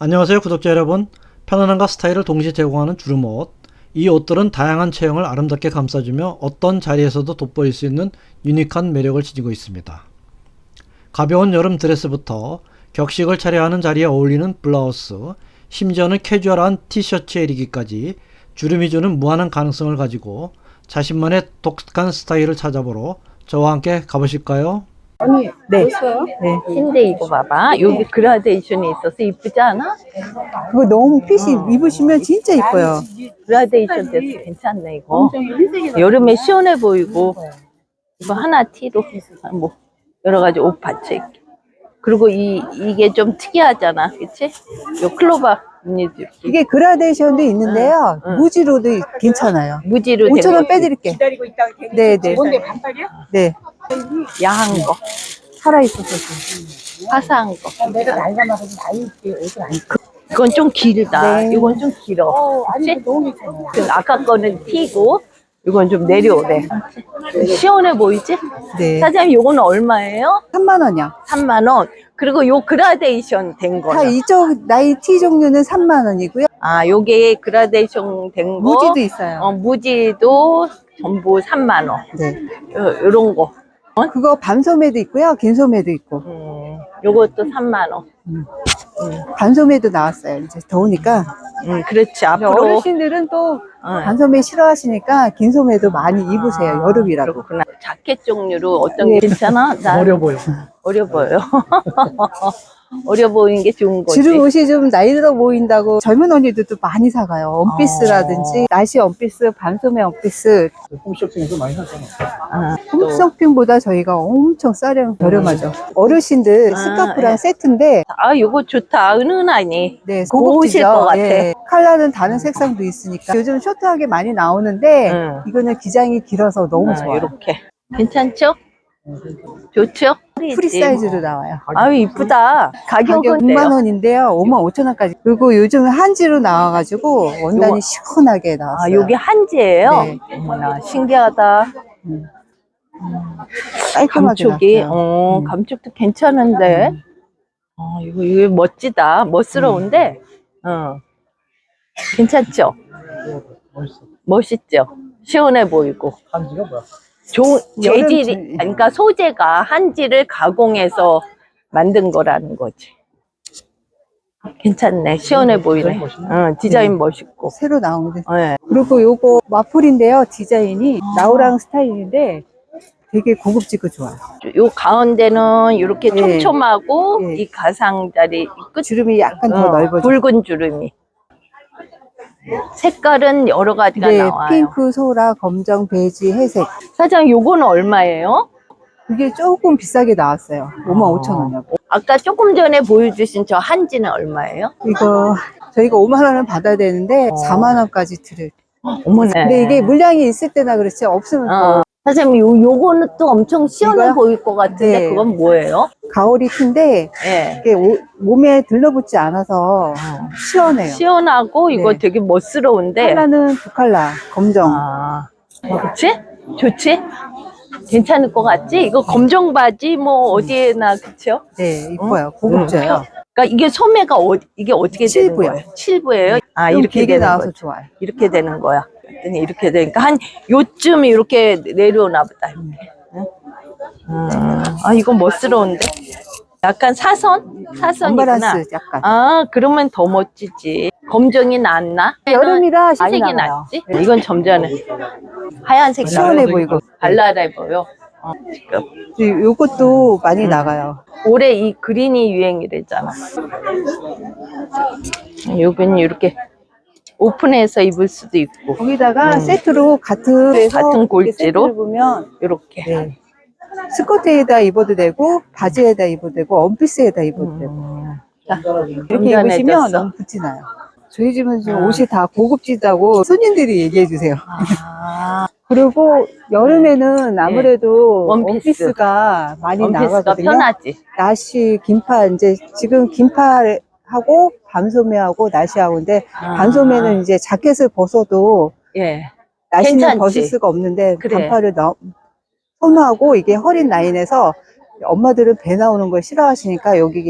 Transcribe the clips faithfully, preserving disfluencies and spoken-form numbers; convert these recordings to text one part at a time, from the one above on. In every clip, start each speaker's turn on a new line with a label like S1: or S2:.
S1: 안녕하세요 구독자 여러분. 편안함과 스타일을 동시에 제공하는 주름옷. 이 옷들은 다양한 체형을 아름답게 감싸주며 어떤 자리에서도 돋보일 수 있는 유니크한 매력을 지니고 있습니다. 가벼운 여름 드레스부터 격식을 차려야 하는 자리에 어울리는 블라우스, 심지어는 캐주얼한 티셔츠에 이르기까지 주름이 주는 무한한 가능성을 가지고 자신만의 독특한 스타일을 찾아보러 저와 함께 가보실까요?
S2: 언니,
S3: 네.
S2: 벌써요?
S3: 네.
S2: 흰데 이거 봐봐. 여기 그라데이션이 있어서 이쁘지 않아?
S3: 그거 너무 핏이 입으시면 진짜 이뻐요.
S2: 그라데이션 돼서 괜찮네, 이거. 여름에 시원해 보이고, 이거 하나 티로, 뭐, 여러 가지 옷 받쳐 입기. 그리고 이, 이게 좀 특이하잖아, 그치? 요 클로바 무늬도 이렇게.
S3: 이게 그라데이션도 있는데요.
S2: 응, 응.
S3: 무지로도 괜찮아요.
S2: 무지로 된
S3: 오천 원
S2: 거.
S3: 빼드릴게.
S4: 기다리고 있다가 되게
S3: 네, 네.
S4: 뭔데 반팔이야?
S3: 네.
S2: 야한 거,
S3: 살아있어서.
S2: 화사한 거.
S4: 내가 나이가 많아서 나이 있게 옷을 안 입고.
S2: 이건 좀 길다.
S3: 네.
S2: 이건 좀 길어.
S4: 어, 아니
S2: 그치?
S4: 이거 너무 괜찮아.
S2: 그 아까 거는 티고, 이건 좀 내려오래. 시원해 보이지?
S3: 네.
S2: 사장님, 요거는 얼마예요?
S3: 삼만 원이요.
S2: 삼만 원. 그리고 요 그라데이션 된
S3: 다
S2: 거는?
S3: 이쪽 나이 티 종류는 삼만 원이고요.
S2: 아, 요게 그라데이션 된 거.
S3: 무지도 있어요.
S2: 어, 무지도 전부 삼만 원.
S3: 네.
S2: 요, 요런 거.
S3: 그거 밤소매도 있고요. 긴소매도 있고.
S2: 음, 요것도 삼만 원.
S3: 반소매도 나왔어요. 이제 더우니까.
S2: 음, 그렇지. 앞으로.
S3: 어르신들은 또
S2: 어,
S3: 반소매 싫어하시니까 긴소매도 많이 입으세요. 여름이라고.
S2: 그렇구나. 자켓 종류로 어떤
S3: 네.
S2: 게 괜찮아? 난
S1: 어려 보여.
S2: 어려 보여요. 어려 보이는 게 좋은 거지.
S3: 주름 옷이 좀 나이 들어 보인다고 젊은 언니들도 많이 사가요. 원피스라든지 나시 원피스, 반소매 원피스.
S1: 홈쇼핑에서 많이 샀잖아.
S2: 아, 또.
S3: 홈쇼핑보다 저희가 엄청 싸려 저렴하죠. 어르신들
S2: 아,
S3: 스카프랑
S2: 예.
S3: 세트인데
S2: 아, 요거 좋다. 은은하니.
S3: 네,
S2: 고우실
S3: 고급지죠.
S2: 것 같아.
S3: 예. 컬러는 다른 색상도 있으니까 요즘 쇼트하게 많이 나오는데
S2: 응.
S3: 이거는 기장이 길어서 너무
S2: 아,
S3: 좋아요.
S2: 이렇게. 괜찮죠? 좋죠?
S3: 프리 사이즈로 나와요.
S2: 아유, 이쁘다.
S3: 가격
S2: 가격은
S3: 육만 원인데요. 오만 오천 원까지. 그리고 요즘 한지로 나와가지고 원단이
S2: 요거-
S3: 시원하게 나왔어요.
S2: 아, 요게 한지예요?
S3: 네.
S2: 어머나, 신기하다.
S3: 깔끔하게
S2: 감촉이,
S3: 나왔어요.
S2: 어,
S3: 음.
S2: 감촉도 괜찮은데. 어, 이거, 이거 멋지다. 멋스러운데, 어. 괜찮죠?
S1: 멋있어.
S2: 멋있죠? 시원해 보이고.
S1: 한지가 뭐야?
S2: 좋은
S3: 여름
S2: 재질이,
S3: 지-
S2: 그러니까 소재가 한지를 가공해서 만든 거라는 거지. 괜찮네. 시원해 보이네. 응, 디자인
S3: 네.
S2: 멋있고.
S3: 새로 나오는데.
S2: 네.
S3: 그리고 요거 와플인데요. 디자인이 나우랑 스타일인데 되게 고급지고 좋아요.
S2: 요 가운데는 이렇게
S3: 네.
S2: 촘촘하고
S3: 네.
S2: 이 가상자리 끝
S3: 주름이 약간 더
S2: 어,
S3: 넓어져.
S2: 붉은 주름이. 색깔은 여러 가지가
S3: 네,
S2: 나와요.
S3: 핑크, 소라, 검정, 베이지, 회색.
S2: 사장님, 요거는 얼마예요?
S3: 그게 조금 비싸게 나왔어요. 오만 오천 원이요.
S2: 아까 조금 전에 보여주신 저 한지는 얼마예요?
S3: 이거 저희가 오만 원은 받아야 되는데
S2: 어.
S3: 사만 원까지 드릴.
S2: 어머네.
S3: 근데 이게 물량이 있을 때나 그렇지 없으면
S2: 어. 사장님, 요, 요거는 또 엄청 시원해
S3: 이거요?
S2: 보일 것 같은데,
S3: 네.
S2: 그건 뭐예요?
S3: 또 가오리 티인데
S2: 예.
S3: 이게 오- 몸에 들러붙지 않아서 시원해요.
S2: 시원하고, 이거
S3: 네.
S2: 되게 멋스러운데.
S3: 컬러는 두 컬러, 검정.
S2: 아, 그치? 좋지? 괜찮을 것 같지? 이거 검정 바지, 뭐, 어디에나, 그쵸?
S3: 네, 이뻐요. 고급져요.
S2: 그러니까 이게 소매가 어, 이게 어떻게 되는
S3: 칠부요.
S2: 거예요? 칠부예요? 아,
S3: 좀
S2: 이렇게
S3: 길게
S2: 되는
S3: 나와서
S2: 거죠.
S3: 좋아요.
S2: 이렇게 되는 거야. 그랬더니 이렇게 되니까 한 요쯤 이렇게 내려오나 보다. 이렇게. 응? 음, 아, 이거 멋스러운데? 약간 사선? 사선이구나.
S3: 언밸런스 약간.
S2: 아, 그러면 더 멋지지. 검정이 낫나?
S3: 여름이라 많이
S2: 흰색이
S3: 나와요.
S2: 낫지? 이건 점 전에 하얀색
S3: 시원해
S2: 나와요.
S3: 보이고.
S2: 발랄해 보여. 어, 지금.
S3: 이- 요것도 많이 나가요.
S2: 올해 이 그린이 유행이랬잖아. 여기는 이렇게 오픈해서 입을 수도 있고,
S3: 거기다가
S2: 음.
S3: 세트로 같은 데서
S2: 같은
S3: 이렇게
S2: 골지로?
S3: 세트를 보면
S2: 이렇게.
S3: 네. 스커트에다 입어도 되고 바지에다 입어도 되고 원피스에다 입어도 되고
S2: 음. 자,
S3: 이렇게
S2: 운전해졌어.
S3: 입으시면 너무 붙지 나요. 저희 집은 지금
S2: 아.
S3: 옷이 다 고급지다고 손님들이 얘기해 주세요.
S2: 아,
S3: 그리고 여름에는 아무래도
S2: 원피스.
S3: 원피스가 많이
S2: 원피스가
S3: 나가거든요.
S2: 편하지.
S3: 나시, 긴팔 이제 지금 긴팔하고 반소매하고 나시하고 근데
S2: 아.
S3: 반소매는 이제 자켓을 벗어도
S2: 예.
S3: 나시는
S2: 괜찮지.
S3: 벗을 수가 없는데
S2: 그래.
S3: 반팔을 너, 선호하고 이게 허리 라인에서 엄마들은 배 나오는 걸 싫어하시니까 여기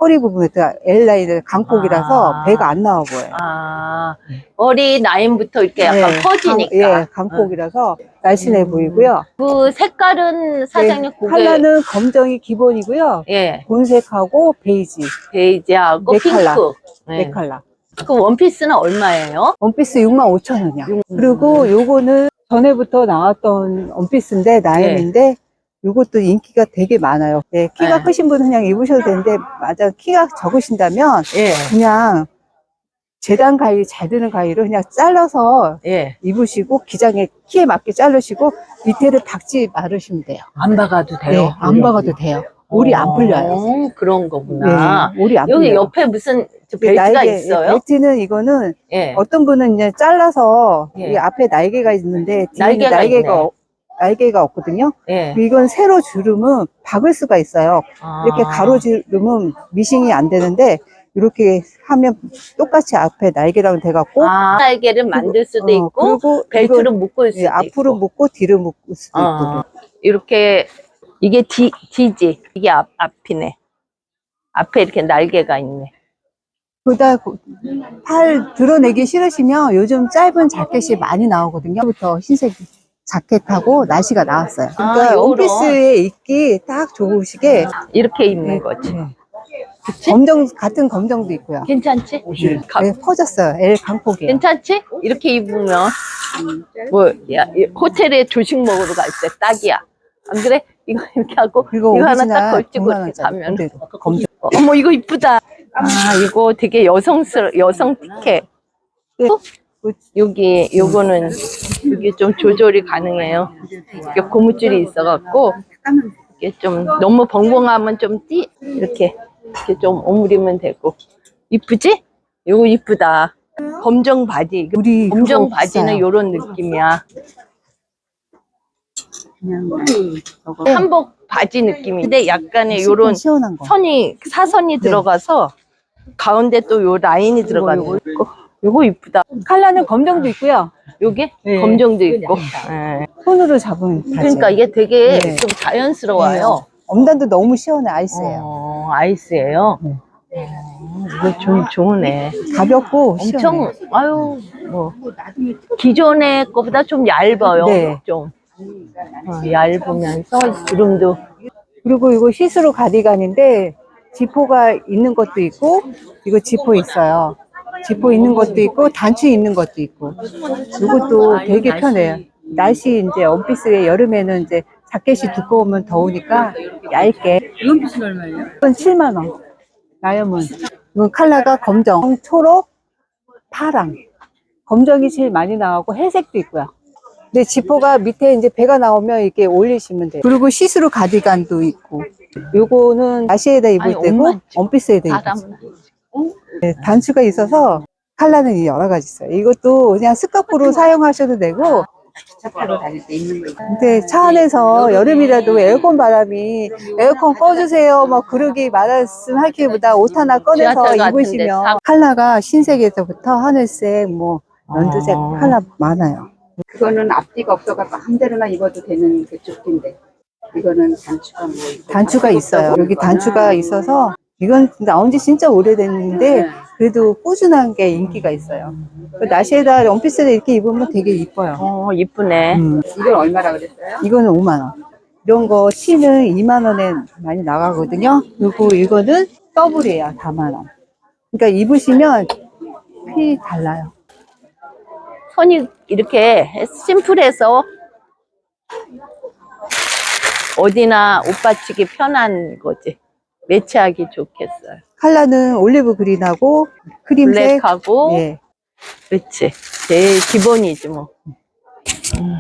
S3: 허리 부분에 L 라인을 강폭이라서
S2: 아.
S3: 배가 안 나와 보여요.
S2: 아, 머리 라인부터 이렇게 약간
S3: 네,
S2: 퍼지니까.
S3: 강, 예, 강폭이라서 날씬해
S2: 음.
S3: 보이고요.
S2: 그 색깔은 사장님
S3: 네,
S2: 고개
S3: 컬러는 검정이 기본이고요.
S2: 예,
S3: 본색하고 베이지,
S2: 베이지하고
S3: 네
S2: 핑크.
S3: 컬러.
S2: 네.
S3: 네 컬러.
S2: 그 원피스는 얼마예요?
S3: 원피스 육만 오천 원이야. 그리고 요거는 전에부터 나왔던 원피스인데 나염인데 요것도 인기가 되게 많아요. 네, 키가
S2: 네.
S3: 크신 분은 그냥 입으셔도 되는데 맞아 키가 적으신다면
S2: 예,
S3: 그냥 재단 가위 잘 드는 가위로 그냥 잘라서
S2: 예.
S3: 입으시고 기장에 키에 맞게 자르시고 밑에를 박지 마르시면 돼요.
S2: 안 박아도 돼요?
S3: 네, 안 박아도 돼요. 올이 안 풀려요.
S2: 어, 그런 거구나.
S3: 네, 올이 안
S2: 여기
S3: 풀려요.
S2: 옆에 무슨 저
S3: 네,
S2: 벨트가
S3: 날개,
S2: 있어요?
S3: 벨트는 이거는
S2: 예.
S3: 어떤 분은 이제 잘라서
S2: 예.
S3: 이 앞에 날개가 있는데 뒤에는
S2: 날개가
S3: 날개가,
S2: 있네.
S3: 어- 날개가 없거든요.
S2: 예.
S3: 이건 세로 주름은 박을 수가 있어요. 이렇게
S2: 아.
S3: 가로 주름은 미싱이 안 되는데 이렇게 하면 똑같이 앞에 날개랑 돼갖고
S2: 아, 날개를 만들 수도
S3: 어,
S2: 있고,
S3: 그리고
S2: 벨트로
S3: 이거,
S2: 묶을 수도
S3: 예, 앞으로
S2: 있고.
S3: 묶고 뒤로 묶을 수도
S2: 어,
S3: 있고.
S2: 이렇게, 이게 D, D지. 이게 앞, 앞이네. 앞에 이렇게 날개가 있네.
S3: 그다 팔 드러내기 싫으시면 요즘 짧은 자켓이 많이 나오거든요. 부터 흰색 자켓하고 나시가 나왔어요. 그러니까
S2: 아, 요런.
S3: 원피스에 입기 딱 좋으시게
S2: 이렇게 입는
S3: 네,
S2: 거지.
S3: 네. 검정 같은 검정도 있고요.
S2: 괜찮지? 가-
S3: 네, 퍼졌어요. L 강폭이에요.
S2: 괜찮지? 이렇게 입으면, 뭐, 야, 이 호텔에 조식 먹으러 갈 때 딱이야. 안 그래? 이거 이렇게 하고,
S3: 이거
S2: 이거 하나 딱
S3: 오리지널
S2: 걸치고
S3: 백만
S2: 이렇게
S3: 원짜리
S2: 가면.
S3: 그대로 검정.
S2: 어머, 이거 이쁘다. 아, 이거 되게 여성스러, 여성 티켓.
S3: 네.
S2: 여기, 요거는, 이게 좀 조절이 가능해요. 이게 고무줄이 있어갖고, 이게 좀, 너무 벙벙하면 좀 띠, 이렇게, 이렇게 좀 오므리면 되고. 이쁘지? 요거 이쁘다. 검정 바지.
S3: 우리
S2: 검정
S3: 그거
S2: 바지는
S3: 비싸요.
S2: 요런 느낌이야.
S3: 그냥 저거
S2: 한복 바지 느낌인데 약간의 요런
S3: 시원한 거.
S2: 선이, 사선이 들어가서, 가운데 또 요 라인이 들어가는 거 있고. 요거 이쁘다.
S3: 컬러는 검정도 있고요.
S2: 요게
S3: 네.
S2: 검정도 있고. 예.
S3: 손으로 잡은 바지.
S2: 그러니까 이게 되게
S3: 네.
S2: 좀 자연스러워요.
S3: 엄단도 너무 시원해 아이스예요.
S2: 어, 아이스예요.
S3: 네.
S2: 어, 이거 좀 좋으네.
S3: 가볍고
S2: 엄청
S3: 시원해.
S2: 아유 뭐 기존의 거보다 좀 얇아요.
S3: 네.
S2: 좀 어, 얇으면서 주름도
S3: 그리고 이거 시스루 가디건인데 지포가 있는 것도 있고 이거 지포 있어요. 지포 있는 것도 있고 단추 있는 것도 있고 이것도 되게 편해요. 날씨 이제 원피스에 여름에는 이제 자켓이 두꺼우면 더우니까 얇게.
S4: 이건 무슨 얼마예요?
S3: 이건 칠만 원. 나염은 이건 컬러가 검정, 초록, 파랑. 검정이 제일 많이 나오고 회색도 있고요. 근데 지퍼가 밑에 이제 배가 나오면 이렇게 올리시면 돼요. 그리고 시스루 가디건도 있고. 요거는 나시에다 입을
S2: 아니,
S3: 때고
S2: 엄마
S3: 원피스에다 입을
S2: 사람
S3: 때고. 네, 단추가 있어서 컬러는 여러 가지 있어요. 이것도 그냥 스카프로 사용하셔도 되고.
S4: 차 타고 다닐 때 입는 거.
S3: 근데 차 안에서 여름이라도 에어컨 바람이 에어컨 꺼주세요 뭐 그러기 말씀하기보다 옷 하나 꺼내서
S2: 지하철 같은데
S3: 입으시면
S2: 사-
S3: 컬러가 흰색에서부터 하늘색 뭐 연두색
S2: 어.
S3: 컬러 많아요.
S4: 그거는 앞뒤가 없어갖고 한 대로나 입어도 되는 그 조끼인데 이거는 단추가 뭐 있고
S3: 단추가 있어요. 여기 단추가 있어서 이건 나온 지 진짜 오래됐는데 그래도 꾸준한 게 인기가 있어요. 그 나시에다 원피스를 이렇게 입으면 되게 이뻐요.
S2: 어 이쁘네.
S3: 음.
S4: 이건 얼마라 그랬어요?
S3: 이거는 오만 원. 이런 거 티는 이만 원에 많이 나가거든요. 그리고 이거는 더블이에요. 사만 원. 그러니까 입으시면 피 달라요.
S2: 선이 이렇게 심플해서 어디나 옷 받치기 편한 거지. 매치하기 좋겠어요.
S3: 컬러는 올리브 그린하고 크림색.
S2: 블랙하고
S3: 예.
S2: 그렇지. 제일 기본이지 뭐. 음.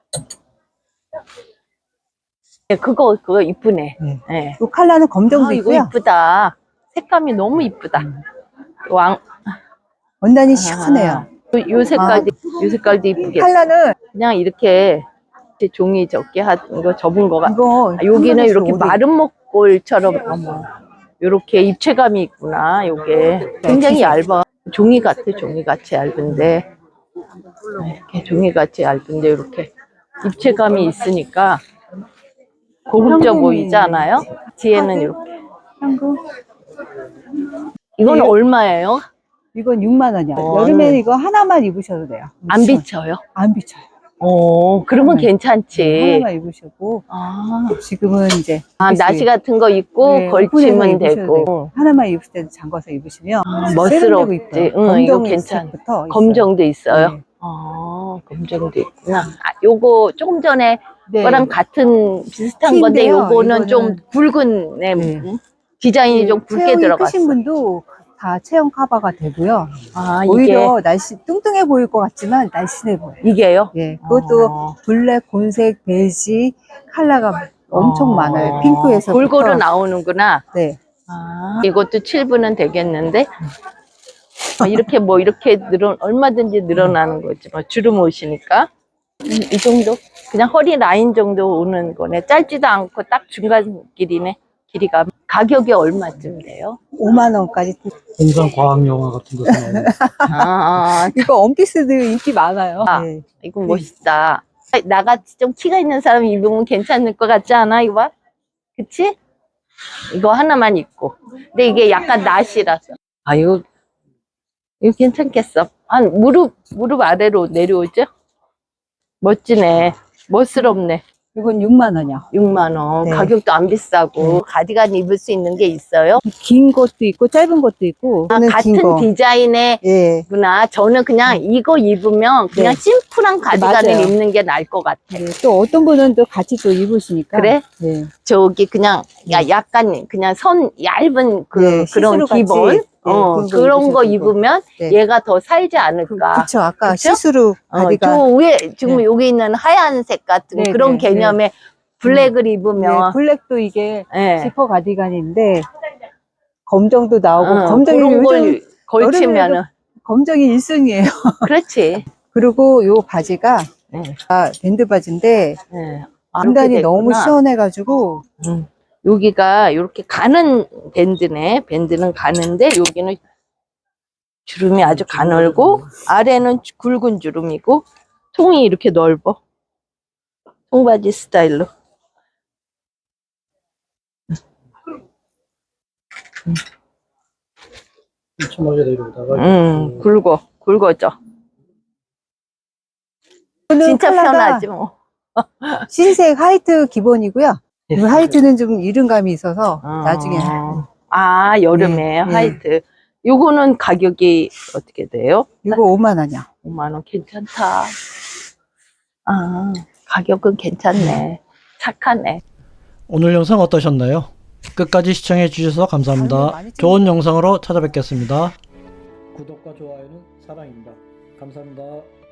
S2: 네, 그거 그거 이쁘네.
S3: 네.
S2: 네.
S3: 이 컬러는 검정도
S2: 아, 이거
S3: 있고요.
S2: 이쁘다. 색감이 너무 이쁘다. 왕
S3: 원단이 시원해요.
S2: 요, 요 색깔도 요 색깔도 이쁘겠어.
S3: 컬러는
S2: 그냥 이렇게 종이 적게 하는 거 접은 거가
S3: 이거
S2: 아, 여기는 이렇게
S3: 오백.
S2: 마른 목골처럼 어머 이렇게 입체감이 있구나. 요게 굉장히 얇아. 종이 같아. 종이 같이 얇은데 이렇게 종이 같이 얇은데 이렇게 입체감이 있으니까 고급져
S3: 형님이-
S2: 보이지 않아요? 뒤에는 이렇게
S3: 한국
S2: 이건
S3: 네.
S2: 얼마예요?
S3: 이건 육만 원이야.
S2: 어.
S3: 여름에는 이거 하나만 입으셔도 돼요.
S2: 안 비쳐요?
S3: 안 비쳐요.
S2: 어, 그러면
S3: 네.
S2: 괜찮지.
S3: 하나만 입으시고
S2: 아,
S3: 지금은 이제
S2: 아 나시 같은 거 입고
S3: 네,
S2: 걸치면
S3: 오픈해서 입으셔도
S2: 되고.
S3: 되고. 하나만 입을 때는 잠궈서 입으시면
S2: 멋스럽지.
S3: 세련되고 이뻐요.
S2: 응, 이거
S3: 검정
S2: 괜찮-
S3: 색부터 있어요.
S2: 검정도 있어요?
S3: 네.
S2: 아, 검정도 있구나. 아, 요거 조금 전에
S3: 네.
S2: 거랑 같은 비슷한 건데
S3: 티인데요.
S2: 요거는 좀
S3: 이거는-
S2: 굵은 네,
S3: 네.
S2: 음, 디자인이 좀 굵게
S3: 체형이
S2: 들어갔어.
S3: 크신 분도 다 체형 커버가 되고요.
S2: 아, 이게
S3: 오히려 날씨 뚱뚱해 보일 것 같지만 날씬해 보여요.
S2: 이게요?
S3: 예, 그것도
S2: 어.
S3: 블랙, 곤색, 베이지 컬러가 엄청
S2: 어.
S3: 많아요. 핑크에서
S2: 골고루 나오는구나.
S3: 네.
S2: 아, 이것도 칠 분은 되겠는데 아, 이렇게 뭐 이렇게 늘어 얼마든지 늘어나는 거지. 뭐 주름 옷이니까 음, 이 정도 그냥 허리 라인 정도 오는 거네. 짧지도 않고 딱 중간 길이네. 길이가 가격이 얼마쯤 돼요?
S3: 오만 원까지.
S1: 공상 과학 영화 같은 데서 나오는
S2: 아, 아,
S3: 이거 원피스도 인기 많아요.
S2: 아.
S3: 네.
S2: 이거 멋있다. 나같이 좀 키가 있는 사람이 입으면 괜찮을 것 같지 않아? 이거 봐. 그치? 이거 하나만 입고. 근데 이게 약간 나시라서. 아, 이거, 이거 괜찮겠어. 한 무릎, 무릎 아래로 내려오죠? 멋지네. 멋스럽네.
S3: 이건 육만 원이요.
S2: 육만 원.
S3: 네.
S2: 가격도 안 비싸고. 가디건 입을 수 있는 게 있어요?
S3: 긴 것도 있고 짧은 것도 있고.
S2: 아,
S3: 이거는 긴
S2: 같은
S3: 거.
S2: 디자인의
S3: 예.
S2: 구나. 저는 그냥 이거 입으면 그냥
S3: 네.
S2: 심플한 가디건을
S3: 맞아요.
S2: 입는 게 나을 것 같아.
S3: 네. 또 어떤 분은 또 같이 또 입으시니까.
S2: 그래?
S3: 네.
S2: 저기 그냥 야 약간 그냥 선 얇은 그
S3: 네,
S2: 그런
S3: 시스루 같이,
S2: 기본
S3: 네,
S2: 어
S3: 그런 거
S2: 그런 거
S3: 입으셔도 되고.
S2: 입으면
S3: 네.
S2: 얘가 더 살지
S3: 그,
S2: 않을까.
S3: 그쵸. 아까
S2: 그쵸?
S3: 시스루
S2: 어,
S3: 가디건.
S2: 저 위에 지금
S3: 네.
S2: 여기 있는 하얀색 같은
S3: 네,
S2: 그런
S3: 네,
S2: 개념의 블랙을
S3: 네,
S2: 입으면
S3: 블랙도 이게
S2: 예.
S3: 지퍼 가디건인데 검정도 나오고
S2: 어,
S3: 검정이
S2: 그런
S3: 요즘
S2: 걸 걸치면은
S3: 검정이 일 순위예요.
S2: 그렇지.
S3: 그리고 요 바지가
S2: 예.
S3: 아, 밴드 바지인데
S2: 예. 아,
S3: 원단이
S2: 이렇게
S3: 너무
S2: 됐구나.
S3: 시원해가지고
S2: 음. 여기가 이렇게 가는 밴드네. 밴드는 가는데 여기는 주름이 아주 가늘고 아래는 굵은 주름이고 통이 이렇게 넓어. 통바지 스타일로.
S1: 촘촘하게 내려오다가
S2: 음, 굵어. 굵어져. 진짜
S3: 컬러가
S2: 편하지 뭐.
S3: 흰색 하이트 기본이고요. 이 하이트는 좀 이른감이 있어서
S2: 어.
S3: 나중에
S2: 아, 여름에
S3: 네,
S2: 화이트. 요거는 가격이 어떻게 돼요?
S3: 이거 오만 원이야.
S2: 오만 원 괜찮다. 아, 가격은 괜찮네. 착하네.
S1: 오늘 영상 어떠셨나요? 끝까지 시청해 주셔서 감사합니다. 좋은 영상으로 찾아뵙겠습니다. 구독과 좋아요는 사랑입니다. 감사합니다.